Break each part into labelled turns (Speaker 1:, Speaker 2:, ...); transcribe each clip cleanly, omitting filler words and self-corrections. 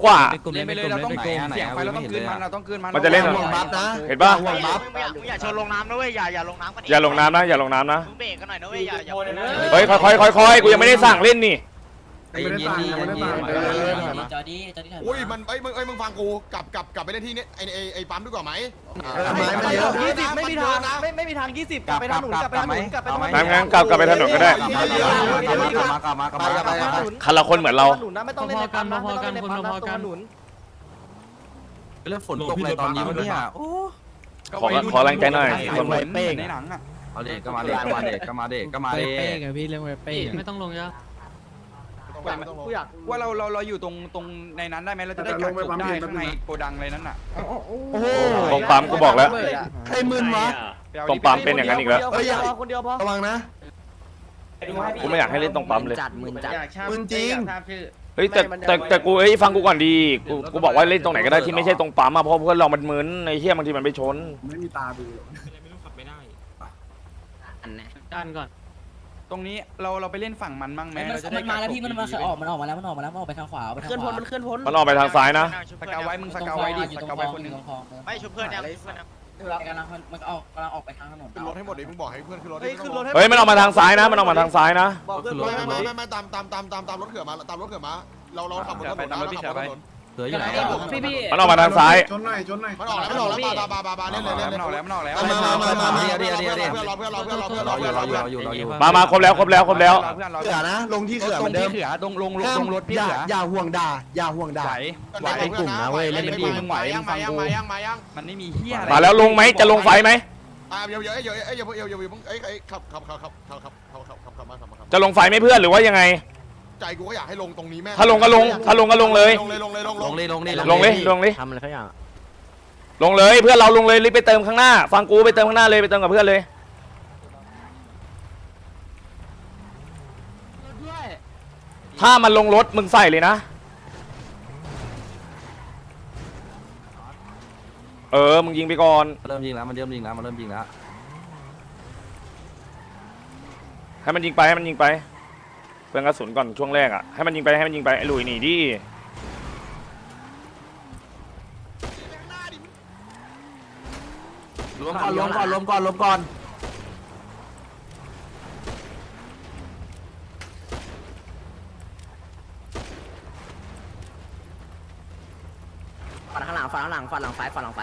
Speaker 1: กว่า
Speaker 2: เล่นไปเลยเราต้องเสียงไฟเราต้องคืนมันเราต้องคืนมัน
Speaker 1: มันจะเล่น
Speaker 3: ห่วงบัฟนะ
Speaker 1: เห็นป่ะ
Speaker 3: ห่วงบัฟ
Speaker 4: มึงอย่าชนลงน้ำนะเว้ยอย่าลงน้ำกัน
Speaker 1: อย่าลงน้ำนะอย่าลงน้ำนะ
Speaker 4: มึงเบรกกันหน่อยนะเว้ยอย่า
Speaker 1: เฮ้ยค่อยกูยังไม่ได้สั่งเล่นนี่
Speaker 5: จอดี้
Speaker 6: อุ้ยมันมึงฟังกูกลับไปเล่นที่นี่ไอ้ปั๊มดีกว่าไหม
Speaker 3: ไม้มันเยอะ
Speaker 2: ไม่มีทางนะไม่มีทาง20กลับไปทางหนุนกลับไปทางหนุนกลับไปทางหนุน
Speaker 1: งั้นกลับไปถนนก็ได้
Speaker 3: กลับมา
Speaker 1: คันละคนเหมือนเรา
Speaker 2: หนุนนะไม่ต้องเล่นในปั๊มนะไม่ต้องเล่นในปั๊มนะตรงหนุน
Speaker 3: เรื่องฝนตกอะไรตอนนี้วะเนี่ยโอ้
Speaker 1: ขอแรงใจหน่อย
Speaker 2: คนเป้งในหนังอ่ะ
Speaker 3: เอาเด็กก็มาเด็กก็มาเด็กก็มาเด็กก็มาเด็ก
Speaker 5: เป้งอะพี่เรื่องเป้งไม่ต้องลงเยอะ
Speaker 2: กูอยากว่าเราอยู่ตรงในนั้นได้ไหมเราจะได้กักศพได้ข้างในโกดังอะไรนั้นอ่ะ
Speaker 1: ตรงปั๊มกูบอกแล้ว
Speaker 3: ใครมึนวะ
Speaker 1: ตรงปั๊มเป็นอย่างนั้นอีกแล้ว
Speaker 2: คนเดียวพอ
Speaker 3: ระวังนะ
Speaker 1: กูไม่อยากให้เล่นตรงปั๊มเลย
Speaker 3: มึนจริง
Speaker 1: เฮ้ยแต่กูฟังกูก่อนดีกูบอกว่าเล่นตรงไหนก็ได้ที่ไม่ใช่ตรงปั๊มอะเพราะเพื่อนเรามันมึนไอ้เหี้ยบางทีมันไปชน
Speaker 7: ไม่มีตาดู
Speaker 5: ดันก่อน
Speaker 2: ตรงนี้เราไปเล่นฝั่งมันมั่งไหมเราจะได้
Speaker 5: มันมาแล้วพี่มันออกมาแล้วมันออกไปทางขวาไปทางขวา
Speaker 1: มันออกไปทางซ้ายนะ
Speaker 2: สกาวไว้มึงสกาวไว้ดิสกาวไว้คนนึง
Speaker 4: ไม่ชุบเพื่อนยัง
Speaker 5: กำลังมันกำลังออกไปทางถนน
Speaker 6: ขึ้นรถให้หมดเลยมึงบอกให้เพื่อนขึ้นรถ
Speaker 1: เฮ้ยมันออกมาทางซ้ายนะมันออกมาทางซ้ายนะ
Speaker 2: บอกเพื่อน
Speaker 6: ไม่ตามรถเขื่อมาตามรถเขื่อมาเราขับรถถนนเราขับรถถนน
Speaker 3: เหลืออยู่ไหน
Speaker 5: พี่
Speaker 1: มันออกมาทางซ้าย
Speaker 7: จนหน่อย
Speaker 6: มันออกแล้วบาเล่นเลย
Speaker 2: มันออกแล้วมันออกแล้ว
Speaker 6: เพื่อนเรา
Speaker 3: อยู่
Speaker 1: มาครบแล้ว
Speaker 2: เพื่อนเรา
Speaker 3: เขื่อนะลงที่เขื่อเหมือนเดิม
Speaker 2: เขื่อลงรถพี่เขื่อ
Speaker 3: อย่าห่วงด่าอย่าห่วงด่า
Speaker 2: มันไม่มีเฮียอะไร
Speaker 1: มาแล้วลงไหมจะลงไฟไหม
Speaker 6: เดี๋ยวมึงขับมา
Speaker 1: จะลงไฟไหมเพื่อนหรือว่ายังไง
Speaker 6: ใจกูก็อยากให้ลงตรงนี้แม่
Speaker 1: ถ้าลงก็ลงเลย
Speaker 6: ลงเลย
Speaker 1: ทำอะไรเขาอย่างลงเลยเพื่อนเราลงเลยรีบไปเติมข้างหน้าฟังกูไปเติมข้างหน้าเลยไปเติมกับเพื่อนเลยถ้ามันลงรถมึงใส่เลยนะมึงยิงไปก่อน
Speaker 3: เริ่มยิงแล้วมันเริ่มยิงแล้ว
Speaker 1: ให้มันยิงไปเพื่อนกระสุนก่อนช่วงแรกอ่ะให้มันยิงไปไอ้หลุยหนีดิ
Speaker 3: รวมก่อน
Speaker 5: ฝั่งหลังซ้ายฝั่งหลังซ้าย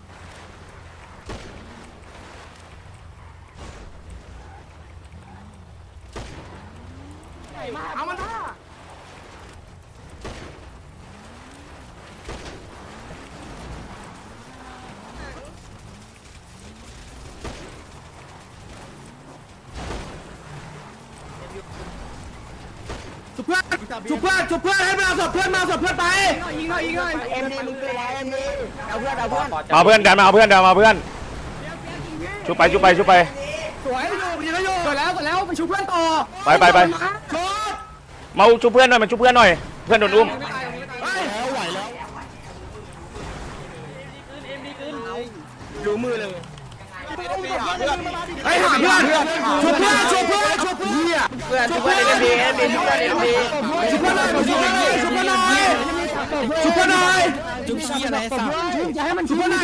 Speaker 3: ชุบเพื่อนให้มาศพเพื่อนไปยิงหน่อย
Speaker 5: เอ็มดีมึงเกลือเอ็มดีเอาเพื่อน
Speaker 1: มาเพื่อนดันมาเพื่อนชุบไป
Speaker 3: สวยอยู่ยิงอยู่กดแล้วไปชุบเพื่อนต่อ
Speaker 1: ไปมาชุบเพื่อนหน่อยเพื่อนโดนอุ้ม
Speaker 3: ไหวแล้วดูมือเลยไอ้หาเพื่อนชุบเพื่อนชุบเพื่อนชุบเชี้อะไรสักอย่าให้มันชุบหน่อย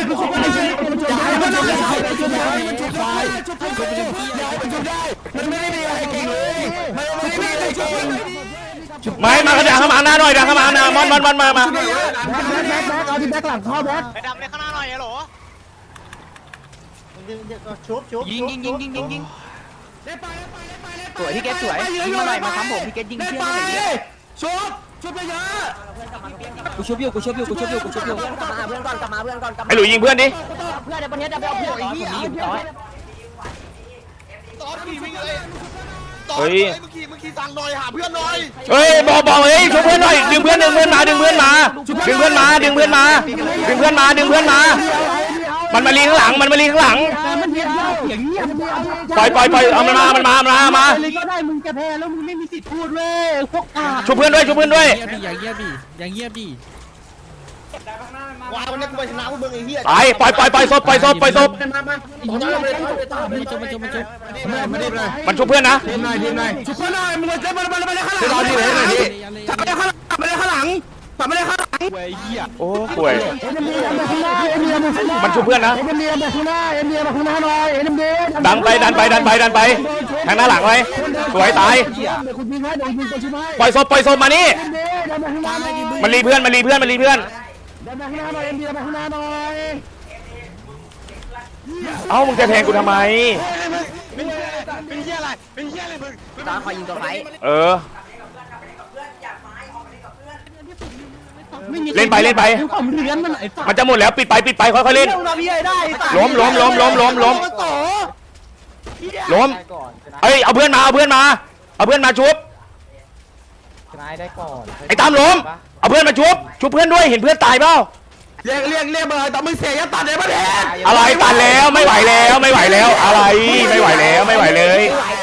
Speaker 3: มันไม่ได้มีอะไรเก่งเลยมันไม่ได้มีอะไรเก่ง
Speaker 1: ไม่มากระดังเข้ามาหน้าหน่อยดังเข้ามาหน้ามอนมา
Speaker 3: แบ็คเอาที่แบ็คหลังเข้าแบ็ค
Speaker 4: ไปดำในข้างหน้าหน่อยเหรอ
Speaker 2: ยิงสวยพี่เกตสวยยิงมาหน่อยมาทำผมพี่เกตยิงเชี่ยอะไรเนี่ย
Speaker 3: ชุบไปเยอะ
Speaker 5: กูชุบอยู่กลับมาเพื่อนก่อน
Speaker 1: ไอ้หลุยยิงเพื่อนดิ
Speaker 5: เพื่อนในประเทศจะไปเอาเพื่อนไอ้เหี้ย
Speaker 1: เฮ้ย
Speaker 6: มึงขี่สั่งหน่อยหาเพื่อนหน่อย
Speaker 1: เฮ้ยบอกเฮ้ยช่วยเพื่อนหน่อยดึงเพื่อนมามันมาลีข้างหลังปล่อยเอามันมา
Speaker 3: ก็ได้มึงจะแพ้แล้วมึงไม่มีสิทธิ์พูดเว้ยพวกกา
Speaker 1: ช่วยเพื่อนด้วย
Speaker 5: อย่างเงียบดิ
Speaker 3: ว้าววันนี้กูไปชนะพวกมึงไอ้เหี้ย
Speaker 1: ตายปล่อยศพ
Speaker 3: มาจบ
Speaker 5: มันชุบ
Speaker 1: มันช่วยเพื่อนนะ
Speaker 3: ทีมหน่อยชุบเพื่อนหน่อยมึงเลยมันเลยข้างหลังไม่ได้ข้างหลัง
Speaker 1: โอ้ป่วยมันชุบเพื่อนนะดันไปดันไปดันไปดันไปทางหน้าหลังไว้สวยตายปล่อยศพมานี่มันรีเพื่อนมันรีเพื่อนมันรีเพื่อนเอ้ามึงจะแทงกูทำไม
Speaker 4: เป็นเหี้ยอะไรเป็นเหี้ยอะไรมึง
Speaker 5: ตาคอยยิงตัวไฟ
Speaker 1: เออเล่นไปเล่นไปมันจะหมดแล้วปิดไปค่อยๆเล่นล้มเอ้ยเอาเพื่อนมาชุบไอ้ตามล้มเอาเพื่อนมาชุบเพื่อนด้วยเห็นเพื่อนตายเปล่า
Speaker 3: เรียกมาเลยแต่มึงเสียยัดตัดเลยประเด็น
Speaker 1: อะไรตันแล้วไม่ไหวแล้วอะไรไม่ไหวแล้วไม่ไหวเลย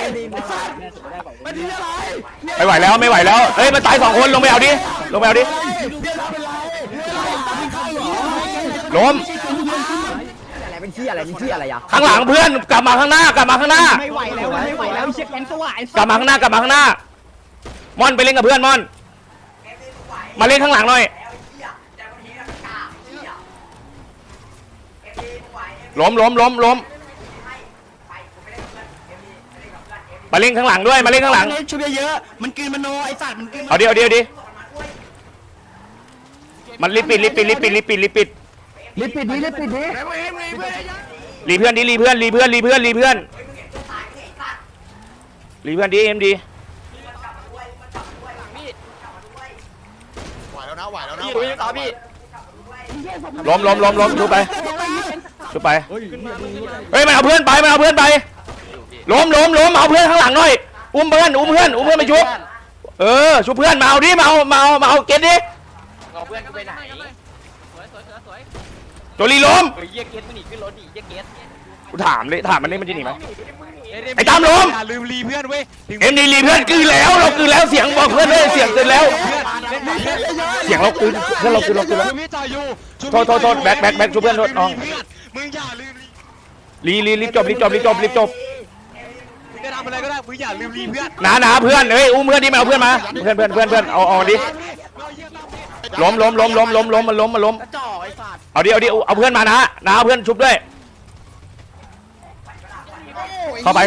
Speaker 1: ไม่ไหวแล้วเฮ้ยมันตาย2คนลงไปเอาดิล้ม
Speaker 5: อะไรเป็นที่อะไรอ่ะ
Speaker 1: ข้างหลังเพื่อนกลับมาข้างหน้า
Speaker 5: ไม่ไหวแล้วเช็คแกงสว่าง
Speaker 1: กลับมาข้างหน้ามอนไปเล่นกับเพื่อนมอนมาเล่นข้างหลังหน่อยล้มมาเล่นข้างหลังด้วยมาเล่นข้างหลัง
Speaker 3: ชุบเยอะๆมันกินมโนไอ้สัตว์มันกิน
Speaker 1: เอาดิมันรีบปิดรีเพื่อนดิรีเพื่อนดิเอ็มดี
Speaker 6: ไหวแล้วนะ
Speaker 1: ล้มชุบไปเฮ้ยมันเอาเพื่อนไปล้มเอาเพื่อนข้างหลังหน่อยอุ้มเพื่อนไปชุบชุบเพื่อนมาเอาดิมาเอาเก็ตดิ
Speaker 4: เอาเพื่อนกูไปไหน
Speaker 1: โจลีล้ม
Speaker 4: เยี่ยเกตมึงหนีขึ้นรถดิเยี่ยเกต
Speaker 1: กูถามมันนี่มันจะหนีไหมไอ้ตามล้ม
Speaker 2: อย่าลืมรีเพื่อนเว้ย
Speaker 1: เอ็มดีรีเพื่อนกลืนแล้วเรากลืนแล้วเสียงบอกเพื่อนเลยเสียงกลืนแล้วเสียงเรากลืนเพื่อนเรากลืนแล้ว
Speaker 2: พี่จ่ายอยู่
Speaker 1: โทษแบ็คชุบเพื่อนโทษน้อง
Speaker 2: มึงอย่าลืม
Speaker 1: รีบจบ
Speaker 2: มึงจะทำอะไรก็ได้มึงอย่าลืมรีเพื่อน
Speaker 1: หนาเพื่อนเฮ้ยอุ้มเพื่อนดิมาเอาเพื่อนมาเพื่อนเอาดิล้มมันล้มเอาดิเอาเพื่อนมานะเอาเพื่อนชุบด้วยเข้าไป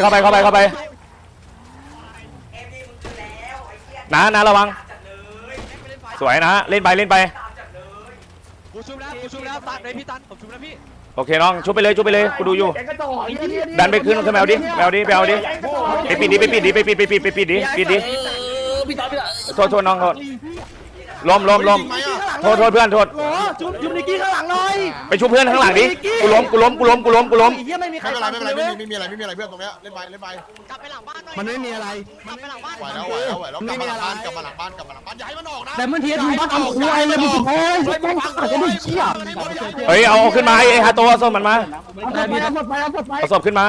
Speaker 1: นะระวังสวยนะเล่นไป
Speaker 2: กูชุบแล้วตัดเลยพี่ตันผมชุบแล้วพี่
Speaker 1: โอเคน้องชุบไปเลยกูดูอยู่ดันไปขึ้นแมวดิไปปิดดิโทษน้องโทษล้มโทษเพื่อนโทษ
Speaker 3: ชุบนิกกี้ข้างหลังหน่อย
Speaker 1: ไปชุบเพื่อนข้างหลังดิกูล้ม
Speaker 3: เฮียไม่มีใคร
Speaker 6: ไม่มีอะไรเพื่อนตรงเนี้ยเล่นไป
Speaker 4: กลับไปหลังบ้านหน่อย
Speaker 3: มันไม่มีอะไร
Speaker 4: กลับไปหลังบ้าน
Speaker 6: ไหวแล้วกลับมาหลังบ้านอย่าให้มันออกนะ
Speaker 3: แต่มันเทียนบ้านทำควายเลยมึงโอ้ยแม่งขาดจะได้เชี่ย
Speaker 1: เฮ้ยเอาขึ้นมาไอ้ฮาโตเอาศพมันมา
Speaker 3: เอา
Speaker 1: เอาศพขึ้นมา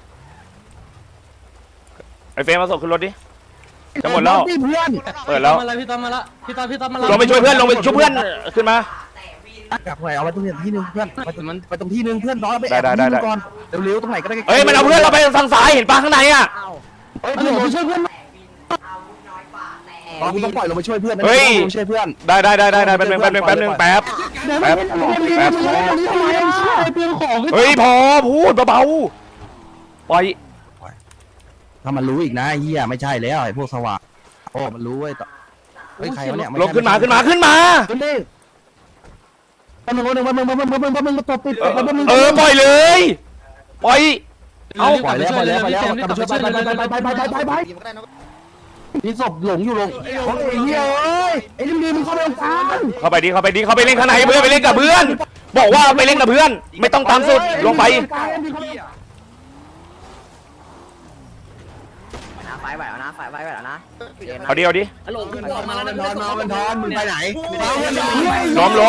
Speaker 1: ไอ้เฟรมเอาศพขึ้นรถดิจะหมดแล้ว
Speaker 3: เพื่อน
Speaker 1: เปิดแล้ว
Speaker 5: พี่ตอมมาละ
Speaker 1: ลงไปช่วยเพื่อนขึ้นมา
Speaker 3: กลับไปเอาไว้ตรงที่นึงเพื่อนไปตรงที่นึงเพื่อนน้อยไปก่อนเร็วๆตรงไหนก็ได้
Speaker 1: เฮ้ยมันเอาเพื่อนเราไปทางซ้ายเห็นปะข้างในอ่ะ
Speaker 3: เฮ้ยลงไปช่วยเพื่อนเราต้องปล่อยลงไปช่วยเพื่อนช่วยเพื่อน
Speaker 1: ได้แป๊บนึงเฮ้ยพอพูดเบาๆปล่อย
Speaker 3: ถ้ามันรู้อีกนะเฮียไม่ใช่แล้วไอ้พวกสว่างโอ้มันรู้เว้ยเฮ้ยใครวะเนี่ย
Speaker 1: ลงขึ้นมา
Speaker 3: มึงตบติด
Speaker 1: ปล่อยเลยปล่อยเอา
Speaker 3: ปล่อยแล้วกลับมาช่วยไปนี่ศพหลงอยู่ลงไอ้เหี้ยเอ้ยไอ้ดีมึงเข้าไปตรงกลาง
Speaker 1: เข้าไปเล่นข้างในเพื่อนไปเล่นกับเพื่อนบอกว่าไปเล่นกับเพื่อนไม่ต้องตามสุดลงไป
Speaker 5: ไฟไหวแล้วนะ
Speaker 1: เอาดิ
Speaker 5: ฮัลโหลขึ้นมาแล้ว
Speaker 3: มันทอนมึงไปไหน
Speaker 1: ล้ม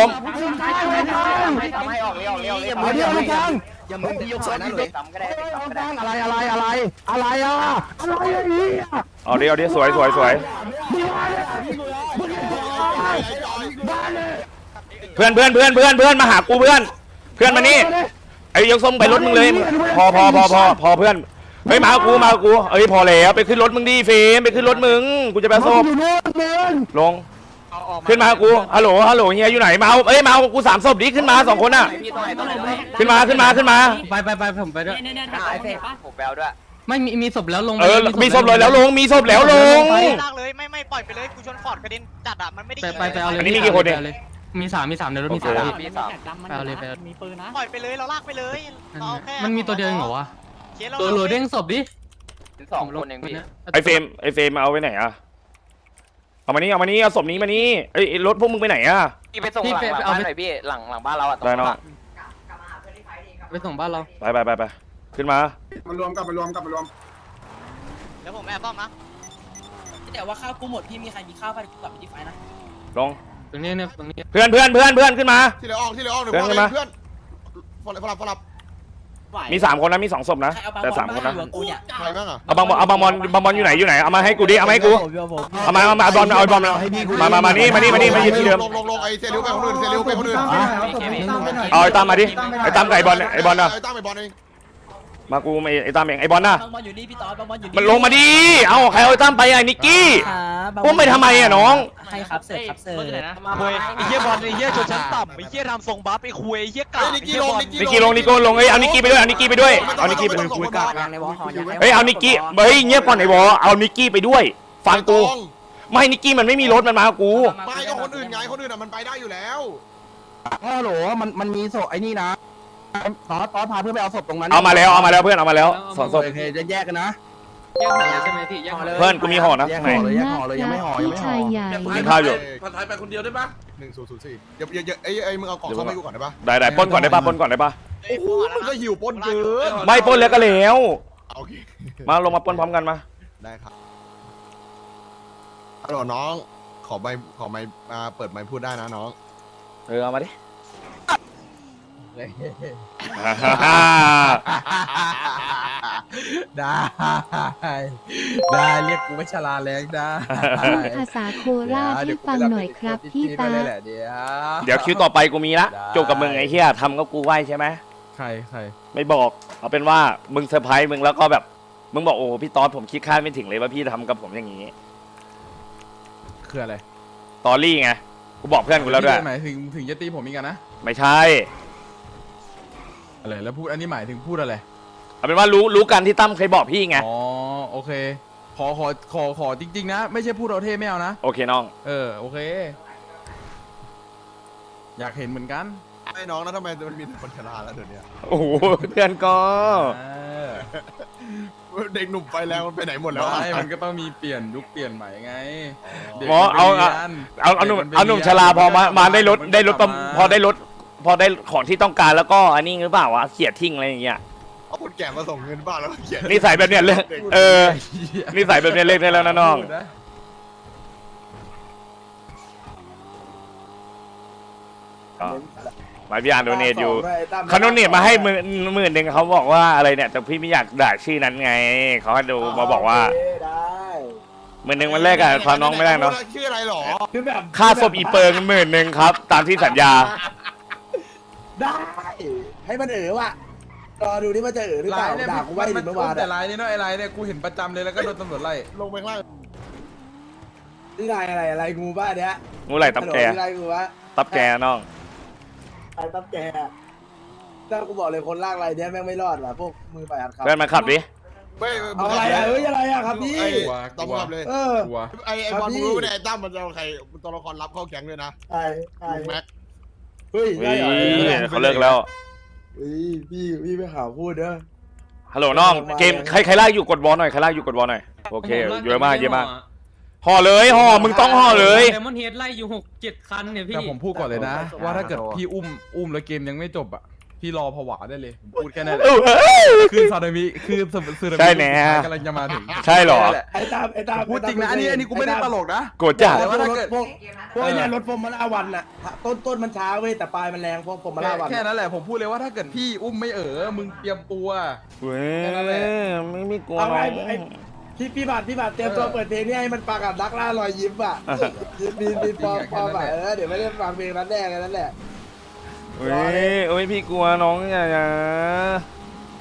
Speaker 5: ไม่ออกเร็ว
Speaker 3: เอาเดียวเลยกลาง
Speaker 5: อย่ามึงพี่ยกสอนนะเลยต่ำก็ได้
Speaker 3: อะไรอ่ะ
Speaker 1: เอาดิสวยเพื่อนมาหากูเพื่อนมานี่ไอ้ยกส้มไปรถมึงเลยพอเพื่อนเฮ้ยมากูเอ้ยพอแล้วไปขึ้นรถมึงดิเฟมไปขึ้นรถมึงกูจะไปส้มลง
Speaker 2: เอา
Speaker 1: ขึ้นมากูฮัลโหลเฮียอยู่ไหนมาเอากู3ศพดิขึ้นมา2คนน่ะขึ้นมา
Speaker 5: ไปผมไปด้วย
Speaker 2: ผมแปลด้วย
Speaker 5: ไม่มีศพแล้วลง
Speaker 1: มีศพเลยแล้วลงมีศพแล้วลง
Speaker 4: ลากเลยไม่ปล่อยไปเลยกูชนฟอร์ดกระเด็นจัดอ่ะมันไม่ได้
Speaker 5: ไปเอาเลย
Speaker 1: อันนี้มีกี่คนเนี่ย
Speaker 5: มี3ในรถมี3ไปเอาเลยมีปืนนะ
Speaker 4: ปล่อยไปเลยเราลากไปเลยเราแค่
Speaker 5: มันมีตัวเดียวเหรอวะ
Speaker 4: เคสเรา
Speaker 5: ตัวเด้งศพดิ
Speaker 2: 2 คนเองพี่
Speaker 1: ไอเฟรมเอาไว้ไหนอะเอามานี่เอาศพนี้มานี่ไอรถพวกมึงไปไหนอะ
Speaker 2: พี่ไปส่งหลังบ้านหน่อยพี่หลังบ้านเราอ่ะ
Speaker 1: ได้น้อง
Speaker 5: ไปส่งบ้านเรา
Speaker 1: ไปขึ้นมา
Speaker 6: มารวมกลับมารวม
Speaker 4: เดี๋ยวผมแอบซ่อมนะ
Speaker 5: แต่ว่าข้าวกูหมดพี่มีใครมีข้าวไปกลับไปที่ไฟนะ
Speaker 1: ลง
Speaker 5: ตรงนี้เนี่ยตรงนี้
Speaker 1: เพื่อนขึ้นมา
Speaker 6: ที่เหลือออกเดี๋ยว
Speaker 1: เพื่อน
Speaker 6: เพื่อนฟลับ
Speaker 1: มี3คนนะมี2ศพนะแต่3คนนะ
Speaker 6: ใครบ้างอ่ะ
Speaker 1: เอาบางบอลอยู่ไหนเอามาให้กูดิเอามาให้กูเอามาบอลมานี่มายืนที่เดิม
Speaker 6: ลงไอเซริวไปคนอื่น
Speaker 1: เอาไอ้ตามมาดิไอ้ตามกับไอ้บอลน่ะ
Speaker 6: ไอตั้มไอบอลเอง
Speaker 1: มากูไอ้ตามเองไอ้บอลน่ะ
Speaker 5: บอลอยู่นี่พี่ต๊อดบอลอยู่นี่
Speaker 1: มันลงมาดิเอาใครเอาไอ้ตามไปไอ้นิกกี้พวกไปทำไมอะน้อง
Speaker 5: ให้ครับเสิร์ฟ
Speaker 4: คุยไอ้เหี้ยบอลไอ้เหี้ยชนชั้นต่ำไอ้เหี้ยทำทรงบัฟไอ้คุยไอ้เหี้ยกา
Speaker 6: นิกกี้ลง
Speaker 1: นิกกี้ลงเอานิกกี้ไปด้วยเอานิกกี้ไปด้วยเอานิกกี้ไป
Speaker 6: คุยกาก
Speaker 1: เฮ้ยเอานิกกี้เงียบก่อนไอ้บอเอานิกกี้ไปด้วยฟังกูไม่นิกกี้มันไม่มีรถมันมากับกู
Speaker 6: ไม่ก็คนอื่นไงคนอื่นอ่ะมันไปได้อยู่แล้ว
Speaker 3: ฮัลโหลมันมีศพไอ้นี่นะตอนพาเพื่อนไปเอาศพตรงนั้น
Speaker 1: เอามาแล้วเพื่อนเอามาแล้ว2ศพ
Speaker 3: โอเคจะแยกกันนะ
Speaker 5: แยกห่อใช่ไหมพี่แยกห่อเลย
Speaker 1: เพื่อนกูมีห่อนะ
Speaker 3: แยก
Speaker 1: ไหน
Speaker 3: ห่อเลยยังไม่ห่อ
Speaker 7: พี่ชายใหญ่
Speaker 1: กินข้าวอยู่
Speaker 6: ผัดไทยไปคนเดียวได้ปะ1004อย่าไอ้มึงเอากล่องเข้าไปกูก่อนได้ปะ
Speaker 1: ได้ปล้นก่อนได้ป่ะ
Speaker 6: โอ้โหมันก็หิวปนเกิน
Speaker 1: ไม่ปล้นแล้วก็แล้ว
Speaker 6: โอเค
Speaker 1: มาลงมาปล้นพร้อมกันมา
Speaker 6: ได้ครับฮัลโหลน้องขอไมมาเปิดไมค์พูดได้นะน้อง
Speaker 1: เอามาดิ
Speaker 3: ได้เรียกกูไม่ชลาแรงได้
Speaker 7: พูดภาษาโคราชให้ฟังหน่อยครับพี่ตา
Speaker 3: เดี๋ยว
Speaker 1: เดี๋ยวคิวต่อไปกูมีละจบกับมึงไอ้เหี้ยทำก็กูไหวใช่ไหม
Speaker 3: ใคร
Speaker 1: ไม่บอกเอาเป็นว่ามึงเซอร์ไพรส์มึงแล้วก็แบบมึงบอกโอ้พี่ตอนผมคิดคาดไม่ถึงเลยว่าพี่ทำกับผมอย่างนี้
Speaker 3: คืออะไร
Speaker 1: ตอรี่ไงกูบอกเพื่อนกูแล้วด้วย
Speaker 3: หมายถึงจะตีผมอีกนะ
Speaker 1: ไม่ใช่
Speaker 3: อะไรแล้วพูดอันนี้หมายถึงพูดอะไร
Speaker 1: เอาเป็นว่ารู้กันที่ตั้มเคยบอกพี่ไง
Speaker 3: อ๋อโอเคขอจริงๆนะไม่ใช่พูดเอาเท่ไม่เอานะ
Speaker 1: โอเคน้อง
Speaker 3: โอเคอยากเห็นเหมือนกัน
Speaker 6: ไอ้น้องนะทำไมมันมีคนชราแล้วเดี๋ยวนี้
Speaker 1: โอ้โหเพื่อนก็
Speaker 6: เด็กหนุ่มไฟแรงมันไปไหนหมดแล้ว
Speaker 3: ไม่มันก็ต้องมีเปลี่ยนยุคเปลี่ยนใหม่ไง
Speaker 1: หมอเอาหนุ่มชราพอมาได้รถพอได้ของที่ต้องการแล้วก็อันนี้หรือเปล่าวะเขี่ยทิ้งอะไรอย่างเงี้ย
Speaker 6: เอาคนแก่มาส่งเงินบ้านแล้วเขียน
Speaker 1: นิสัยแบบเนี้ยเลิกนิสัยแบบเนี้ยเลิกได้แล้วนะน้องหมายพี่อ่านโดเนทอยู่เขาโดเนทมาให้10,000เขาบอกว่าอะไรเนี่ยแต่พี่ไม่อยากด่าชื่อนั้นไงเขาให้ดูมาบอกว่า10,000มันแรกอะความน้องไม่ได้เนาะ
Speaker 6: ชื่ออะไรหรอ
Speaker 1: ค่าศพอีเปิง10,000ครับตามที่สัญญา
Speaker 8: ได้ให้มันว่ะรอดูนี่มันจะหรือเปล่าด่ากูไว้ดิเมื่อวาน
Speaker 3: แต่ไลน์นี่เนาะไอ้ไลน์เนี่ยกูเห็นประจำเลยแล้วก็โดนตำรวจไล่
Speaker 6: ลงไปข้างล่าง
Speaker 8: นี่นายอะไรงูบ้าเนี้ย
Speaker 1: งูไหลตับแก
Speaker 8: อะไรงูวะ
Speaker 1: ตับแกน้อง
Speaker 8: ไอ้ตับแกถ้ากูบอกเลยคนลากอะไรเนี้ยแม่งไม่รอดว่ะพวกมือไปอัดครับ
Speaker 1: เพื่อนมาขับดิ
Speaker 8: เอาอะไรอะไรครับพี่
Speaker 6: ต้องขับเลย
Speaker 3: กลัว
Speaker 6: ไอ้บอลมึงรู้ไหมไอ้ตั้มมันจะเอาใครตัวละครรับเข้าแก๊งเลยนะ
Speaker 8: ไอ้
Speaker 6: แม็ก
Speaker 8: เฮ้ยได้เหรอ
Speaker 1: เขาเลิกแล้ว
Speaker 8: พี่ไปข่าวพูดเด้อ
Speaker 1: ฮัลโหลน้องเกมใครลากอยู่กดบอลหน่อยใครลากอยู่กดบอลหน่อยโอเคเยอะมากห่อเลยห่อมึงต้องห่อเลย
Speaker 5: เดมอนเฮดไล่อยู่6-7 คันเนี่ยพี่
Speaker 3: แต่ผมพูดก่อนเลยนะ ว่าถ้าเกิดพี่อุ้มแล้วเกมยังไม่จบอ่ะพี่รอผวาได้เลยผมพูดแค่นั้นแหละคือซาดามิคือซึนามิ
Speaker 1: ใช่แน่
Speaker 3: กำลังจะมาถึง
Speaker 1: ใช่เหรอ
Speaker 8: ไอ้ตาม
Speaker 3: พูดจริงนะอันนี้กูไม่ได้ตลกนะ
Speaker 1: โกรธจ้ะ
Speaker 8: แต่ว่าถ้าเกิดพวกเนี่ยรถฟอร์มูล่าวันน่ะต้นมันช้าเว้ยแต่ปลายมันแรงพวกฟอร์มูล่าวัน
Speaker 3: แค่นั้นแหละผมพูดเลยว่าถ้าเกิดพี่อุ้มไม่มึงเตรียมตัว
Speaker 1: เว้ยไม่กลัว
Speaker 8: เอา
Speaker 1: น้
Speaker 8: ไง
Speaker 1: อง
Speaker 8: พี่บาทเตรียมตัวเปิดเพลงนี้ให้มันปากกับดักล่ารอยยิ้มอ่ะมีฟอร์มอ่ะเดี๋ยวไม่ได้ฟังเพลงนั้นแน่กันนั่นแหละ
Speaker 1: เว้ยพี่กลัวน้องอย่า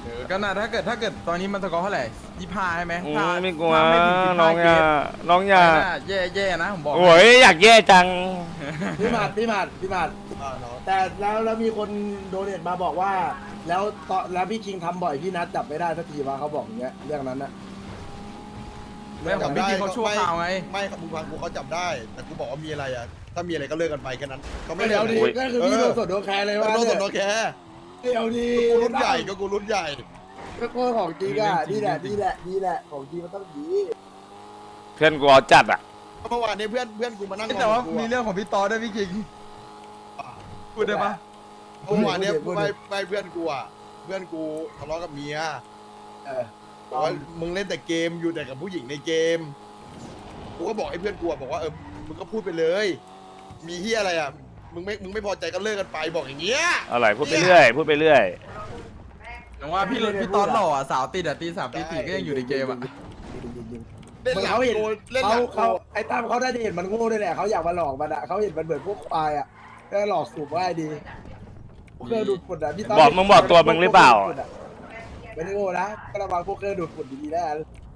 Speaker 2: ก็น่าถ้าเกิดตอนนี้มันสกอร์เท่าไหร่25ใช่ไหม
Speaker 1: ไม่กลัวน้องอย่าน้องอย่า
Speaker 2: แย่นะผมบอก
Speaker 1: โอ้ยอยากแย่จัง
Speaker 8: พี่หมัดแต่แล้วมีคนโดเนทมาบอกว่า แล้วพี่คิงทำบ่อยพี่นัดจับไม่ได้สักทีว่าเขาบอกอย่างเงี้ยเรื่องนั้นนะ
Speaker 2: เรื่องของพี่กินเขาชั่วคราวไง
Speaker 6: ไม่มึงฟังกูเขาจับได้ แต่กูบอกว่ามีอะไรอ่ะถ้ามีอะไรก็เลิกกันไปแค่นั้นเขาไม่
Speaker 8: เดี๋ยวดีก็คือพี่โดนสดโดนแคร์เลยว่า
Speaker 6: โดนสดโดนแค่
Speaker 8: เดี๋ยวดี
Speaker 6: กูรุ่นใหญ่ก็กูรุ่นใหญ่
Speaker 8: ก็โคตรของจริงอ่ะนี่แหละของจริงมันต้องดี
Speaker 1: เพื่อนกูเอาจัดอ่ะ
Speaker 6: เมื่อวานนี้เพื่อนกูมานั่ง
Speaker 2: แต่ว่ามีเรื่องของพี่ตอด้วยพี่คิงพูดได้ปะ
Speaker 6: เมื่อวานเนี้ยไปเพื่อนกูอ่ะเพื่อนกูทะเลาะกับเมียบอกว่ามึงเล่นแต่เกมอยู่แต่กับผู้หญิงในเกมกูก็บอกให้เพื่อนกูบอกว่ามึงก็พูดไปเลย มีเฮียอะไรอ่ะมึงไม่พอใจก็เลิกกันไปบอกอย่างเงี้ย
Speaker 1: อะไรพูดไปเรื่อยพูดไปเรื่อย
Speaker 2: แต่ว่าพี่ตอนหล่อสาวติดตี 3 ตี 4ก็ยังอยู่ในเกมอ่ะ
Speaker 6: เล่นหลัง
Speaker 8: เขาเห็น
Speaker 6: โกเล่นหลังโก
Speaker 8: เขาไอ้ตั้มเขาได้เห็นมันโง่ด้วยแหละเขาอยากมาหลอกมันอ่ะเขาเห็นมันเหมือนพวกควายอ่ะก็หลอกสูบง่ายดีเครื่องดูดฝุ่นอ่ะพี่ตั้ม
Speaker 1: บอกมึงบอกตัวมึงหรือเปล่า
Speaker 8: ไม่ได้โง่นะก็ระวังพวกเครื่องดูดฝุ่นดีๆแล้ว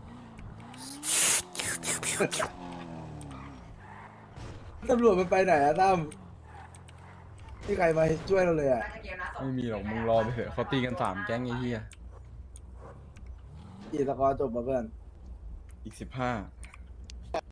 Speaker 8: ตำรวจมันไปไหนอะตั้มที่ใครมาช่วยเราเลยอะ
Speaker 2: ไม่มีหรอกมึงรอไปเถอะเขาตีกัน3แก๊งไอ้เหี้ย
Speaker 8: กี่สกอร์จบมาเพื่อน
Speaker 2: อีก15